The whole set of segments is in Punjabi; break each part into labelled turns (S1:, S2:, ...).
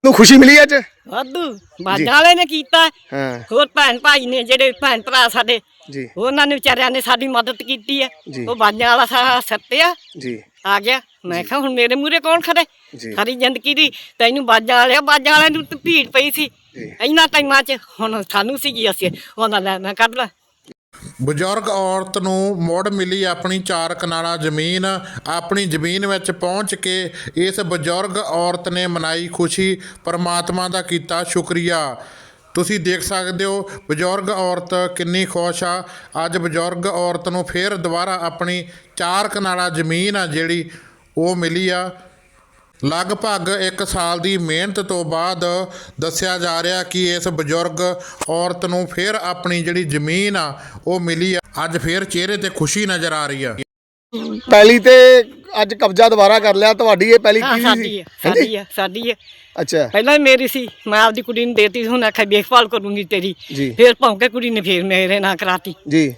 S1: ਤੁਹਾਨੂੰ ਖੁਸ਼ੀ ਮਿਲੀ ਅੱਜ?
S2: ਵਾਧੂ ਬਾਜਾਂ ਵਾਲੇ ਨੇ ਕੀਤਾ।
S1: ਹਾਂ
S2: ਹੋਰ ਭੈਣ ਭਾਈ ਨੇ ਜਿਹੜੇ ਭੈਣ ਭਰਾ ਸਾਡੇ
S1: ਜੀ
S2: ਉਹਨਾਂ ਨੇ ਵਿਚਾਰਿਆਂ ਨੇ ਸਾਡੀ ਮਦਦ ਕੀਤੀ ਹੈ।
S1: ਜੀ।
S2: ਉਹ ਬਾਜਾਂ ਵਾਲਾ ਸਾਰਾ ਸੱਤਿਆ
S1: ਜੀ
S2: ਆ ਗਿਆ। ਮੈਂ ਕਿਹਾ ਹੁਣ ਮੇਰੇ ਮੂਹਰੇ ਕੌਣ ਖੜੇ
S1: ਜੀ।
S2: ਸਾਰੀ ਜ਼ਿੰਦਗੀ ਦੀ ਤੈਨੂੰ ਬਾਜਾਂ ਵਾਲਿਆਂ ਨੂੰ ਤਾਂ ਭੀੜ ਪਈ ਸੀ
S1: ਜੀ।
S2: ਇਹਨਾਂ ਟਾਈਮਾਂ 'ਚ। ਹੁਣ ਸਾਨੂੰ ਸੀਗੀ ਅਸੀਂ ਉਹਨਾਂ ਲੈ ਮੈਂ ਕੱਢ ਲਾ।
S3: ਬਜ਼ੁਰਗ ਔਰਤ ਨੂੰ ਮੁੜ ਮਿਲੀ ਆਪਣੀ 4 ਕਨਾਲਾਂ ਜ਼ਮੀਨ। ਆਪਣੀ ਜ਼ਮੀਨ ਵਿੱਚ ਪਹੁੰਚ ਕੇ ਇਸ ਬਜ਼ੁਰਗ ਔਰਤ ਨੇ ਮਨਾਈ ਖੁਸ਼ੀ, ਪਰਮਾਤਮਾ ਦਾ ਕੀਤਾ ਸ਼ੁਕਰੀਆ। ਤੁਸੀਂ ਦੇਖ ਸਕਦੇ ਹੋ ਬਜ਼ੁਰਗ ਔਰਤ ਕਿੰਨੀ ਖੁਸ਼ ਆ। ਅੱਜ ਬਜ਼ੁਰਗ ਔਰਤ ਨੂੰ ਫਿਰ ਦੁਬਾਰਾ ਆਪਣੀ 4 ਕਨਾਲਾਂ ਜ਼ਮੀਨ ਆ ਜਿਹੜੀ ਉਹ ਮਿਲੀ ਆ। ਲਗਭਗ 1 ਸਾਲ ਦੀ ਮਿਹਨਤ ਤੋਂ ਬਾਅਦ ਦੱਸਿਆ ਜਾ ਰਿਹਾ ਕਿ ਇਸ ਬਜ਼ੁਰਗ ਔਰਤ ਨੂੰ ਫਿਰ ਆਪਣੀ ਜਿਹੜੀ ਜ਼ਮੀਨ ਆ ਉਹ ਮਿਲੀ ਆ। ਅੱਜ ਫਿਰ ਚਿਹਰੇ ਤੇ ਖੁਸ਼ੀ ਨਜ਼ਰ ਆ ਰਹੀ ਆ।
S1: ਪਹਿਲੀ ਤੇ ਅੱਜ ਕਬਜ਼ਾ ਦੁਬਾਰਾ ਕਰ ਲਿਆ। ਤੁਹਾਡੀ ਇਹ ਪਹਿਲੀ ਕੀ ਸੀ?
S2: ਸਾਡੀ ਹੈ।
S1: ਅੱਛਾ
S2: ਪਹਿਲਾਂ ਹੀ ਮੇਰੀ ਸੀ, ਮੈਂ ਆਪਦੀ ਕੁੜੀ ਨੂੰ ਦੇਤੀ। ਹੁਣ ਆਖਿਆ ਦੇਖਭਾਲ ਕਰੂੰਗੀ ਤੇਰੀ।
S1: ਜੀ।
S2: ਫਿਰ ਭੌਂਕੇ ਕੁੜੀ ਨੇ ਫਿਰ ਮੇਰੇ ਨਾਲ ਕਰਾਤੀ।
S1: ਜੀ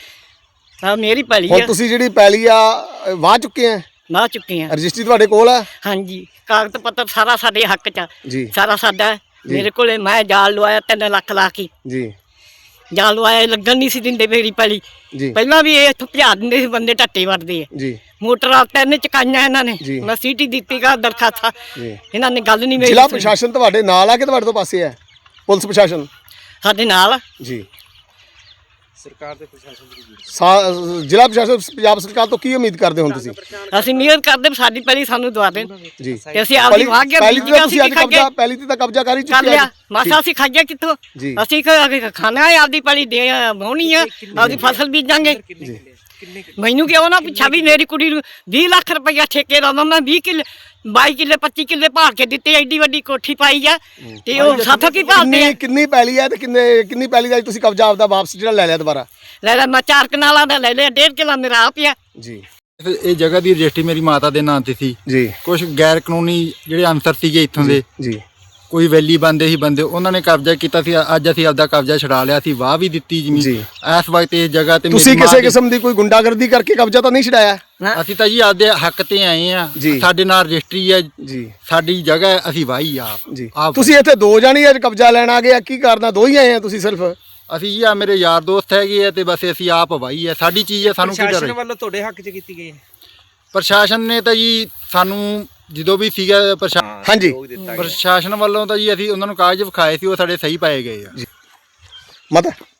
S2: ਆ ਮੇਰੀ ਪੈਲੀ
S1: ਹੁਣ
S2: ਆ।
S1: ਤੁਸੀਂ ਜਿਹੜੀ ਪੈਲੀ ਆ ਵਾਹ ਚੁੱਕੇ ਆ?
S2: ਵਾਹ ਚੁੱਕੇ ਆ।
S1: ਰਜਿਸਟਰੀ ਤੁਹਾਡੇ ਕੋਲ ਆ?
S2: ਹਾਂਜੀ ਕਾਗਜ਼ ਪੱਤਰ ਸਾਰਾ ਸਾਡੇ ਹੱਕ 'ਚ ਆ।
S1: ਜੀ
S2: ਸਾਰਾ ਸਾਡਾ ਹੈ। ਮੇਰੇ ਕੋਲੇ ਮੈਂ ਜਾਲ ਲਵਾਇਆ 3 ਲੱਖ ਲਾ ਕੇ।
S1: ਜੀ
S2: ਜਾਲ ਲਵਾਇਆ, ਲੱਗਣ ਨਹੀਂ ਸੀ ਦਿੰਦੇ ਮੇਰੀ ਪੈਲੀ।
S1: ਜੀ
S2: ਪਹਿਲਾਂ ਵੀ ਇਹ ਇੱਥੋਂ ਭਜਾ ਦਿੰਦੇ ਸੀ ਬੰਦੇ, ਟੱਟੇ ਵੜਦੇ ਆ।
S1: ਜੀ
S2: ਮੋਟਰਾਂ 3 ਚਕਾਈਆਂ ਇਹਨਾਂ ਨੇ।
S1: ਜੀ।
S2: ਮੈਂ ਸੀਟੀ ਦਿੱਤੀ ਗਾ ਦਰਖਾਸਤ।
S1: ਜੀ
S2: ਇਹਨਾਂ ਨੇ ਗੱਲ ਨਹੀਂ ਮੇਰੀ
S1: ਜ਼ਿਲ੍ਹਾ
S2: ਸੁਣੀ।
S1: ਪ੍ਰਸ਼ਾਸਨ ਤੁਹਾਡੇ ਨਾਲ ਆ ਕਿ ਤੁਹਾਡੇ ਤੋਂ ਪਾਸੇ ਆ? ਪੁਲਿਸ ਪ੍ਰਸ਼ਾਸਨ
S2: ਸਾਡੇ ਨਾਲ ਆ।
S1: ਜੀ ਸਰਕਾਰ ਦੇ ਪ੍ਰਸ਼ਾਸਨ ਜ਼ਿਲ੍ਹਾ ਪ੍ਰਸ਼ਾਸਨ ਪੰਜਾਬ ਸਰਕਾਰ ਤੋਂ ਕੀ ਉਮੀਦ ਕਰਦੇ ਹੋ ਤੁਸੀਂ?
S2: ਅਸੀਂ ਮਿਹਰ ਕਰਦੇ ਵੀ ਸਾਡੀ ਪੈਲੀ ਸਾਨੂੰ ਦਵਾ ਦੇਣ
S1: ਜੀ
S2: ਤੇ ਅਸੀਂ ਆਪਦੀ ਵਾਹ ਕੇ
S1: ਪਹਿਲੀ ਤੇ ਤੁਸੀਂ ਅੱਜ ਕਬਜ਼ਾ ਪਹਿਲੀ ਤੇ ਤਾਂ ਕਬਜ਼ਾ ਕਰ ਹੀ
S2: ਕਰ
S1: ਚੁੱਕੇ
S2: ਲਿਆ।
S1: ਆ।
S2: ਮਾਸਾ ਅਸੀਂ ਖਾਈਏ ਕਿੱਥੋਂ?
S1: ਜੀ।
S2: ਅਸੀਂ ਖਾਣਾ ਹੈ ਆਪਦੀ ਪੈਲੀ ਦੇ ਵਾਹੁਣੀ ਆ, ਆਪਦੀ ਫਸਲ ਬੀਜਾਂਗੇ। ਮੈਨੂੰ ਕਿਉਂ ਨਾ ਪੁੱਛਾ ਵੀ ਮੇਰੀ ਕੁੜੀ ਨੂੰ 20 ਲੱਖ ਰੁਪਇਆ ਠੇਕੇ ਦਾ ਮੈਂ 20 ਕਿੱਲੇ 22 ਕਿੱਲੇ 25 ਕਿੱਲੇ ਭਾਲ ਕੇ ਦਿੱਤੇ। ਐਡੀ ਵੱਡੀ ਕੋਠੀ ਪਾਈ ਆ ਤੇ ਉਹ ਸਾਥੋਂ ਕੀ ਭਾਲਦੇ ਆ?
S1: ਕਿੰਨੀ ਪੈਲੀ ਹੈ ਤੇ ਕਿੰਨੀ ਪੈਲੀ ਦਾ ਤੁਸੀਂ ਕਬਜ਼ਾ ਆਪਦਾ ਵਾਪਸ ਜਿਹੜਾ ਲੈ ਲਿਆ ਦੁਬਾਰਾ?
S2: ਲੈ ਲੈ ਮੈਂ 4 ਕਨਾਲਾਂ ਦਾ ਲੈ ਲਿਆ। 1.5 ਕਿੱਲਾ ਮੇਰਾ ਆ ਪਿਆ।
S1: ਜੀ
S4: ਇਹ ਜਗ੍ਹਾ ਦੀ ਰਜਿਸਟਰੀ ਮੇਰੀ ਮਾਤਾ ਦੇ ਨਾਂ ਤੇ ਸੀ।
S1: ਜੀ
S4: ਕੁਝ ਗੈਰ ਕਾਨੂੰਨੀ ਜਿਹੜੇ ਅਨਸਰ ਸੀਗੇ ਇੱਥੋਂ ਦੇ,
S1: ਜੀ
S4: ਕੋਈ ਵੈਲੀ ਬੰਦੇ ਸੀ ਬੰਦੇ, ਉਹਨਾਂ ਨੇ ਕਬਜ਼ਾ ਕੀਤਾ ਸੀ। ਅੱਜ ਅਸੀਂ ਆਪਦਾ ਕਬਜ਼ਾ ਛਡਾ ਲਿਆ ਸੀ, ਵਾਹ ਵੀ ਦਿੱਤੀ ਜ਼ਮੀਨ।
S1: ਜੀ।
S4: ਇਸ ਵਕਤ ਇਸ ਜਗ੍ਹਾ ਤੇ
S1: ਤੁਸੀਂ ਕਿਸੇ ਕਿਸਮ ਦੀ ਕੋਈ ਗੁੰਡਾਗਰਦੀ ਕਰਕੇ ਕਬਜ਼ਾ ਤਾਂ ਨਹੀਂ ਛਡਾਇਆ?
S4: ਅਸੀਂ ਤਾਂ ਜੀ ਆਪਦੇ ਹੱਕ ਤੇ ਆਏ ਆ।
S1: ਜੀ।
S4: ਸਾਡੇ ਨਾਲ ਰਜਿਸਟਰੀ ਹੈ,
S1: ਜੀ
S4: ਸਾਡੀ ਜਗ੍ਹਾ ਹੈ, ਅਸੀਂ ਵਾਹੀ
S1: ਜੀ
S4: ਆਪ।
S1: ਤੁਸੀਂ ਇੱਥੇ 2 ਜਾਣੀ ਅੱਜ ਕਬਜ਼ਾ ਲੈਣ ਆ ਗਏ? ਕੀ ਕਰਨਾ? 2 ਹੀ ਆਏ ਆ ਤੁਸੀਂ ਸਿਰਫ?
S4: ਅਸੀਂ ਜੀ ਆ ਮੇਰੇ ਯਾਰ ਦੋਸਤ ਹੈਗੇ ਆ ਤੇ ਬਸ ਅਸੀਂ ਆਪ ਵਾਹੀ ਹੈ। ਸਾਡੀ ਚੀਜ਼ ਹੈ, ਸਾਨੂੰ ਕੀ ਡਰ?
S5: ਪ੍ਰਸ਼ਾਸਨ ਵੱਲੋਂ ਤੁਹਾਡੇ ਹੱਕ 'ਚ ਕੀਤੀ ਗਈ ਹੈ?
S4: ਪ੍ਰਸ਼ਾਸਨ ਨੇ ਤਾਂ ਜੀ ਸਾਨੂੰ ਜਦੋਂ ਵੀ ਸੀਗਾ
S1: ਹਾਂਜੀ
S4: ਪ੍ਰਸ਼ਾਸਨ ਵੱਲੋਂ ਤਾਂ ਜੀ ਅਸੀਂ ਉਹਨਾਂ ਨੂੰ ਕਾਗਜ਼ ਵਿਖਾਏ ਸੀ, ਉਹ ਸਾਡੇ ਸਹੀ ਪਾਏ ਗਏ ਆ।
S1: ਮਤ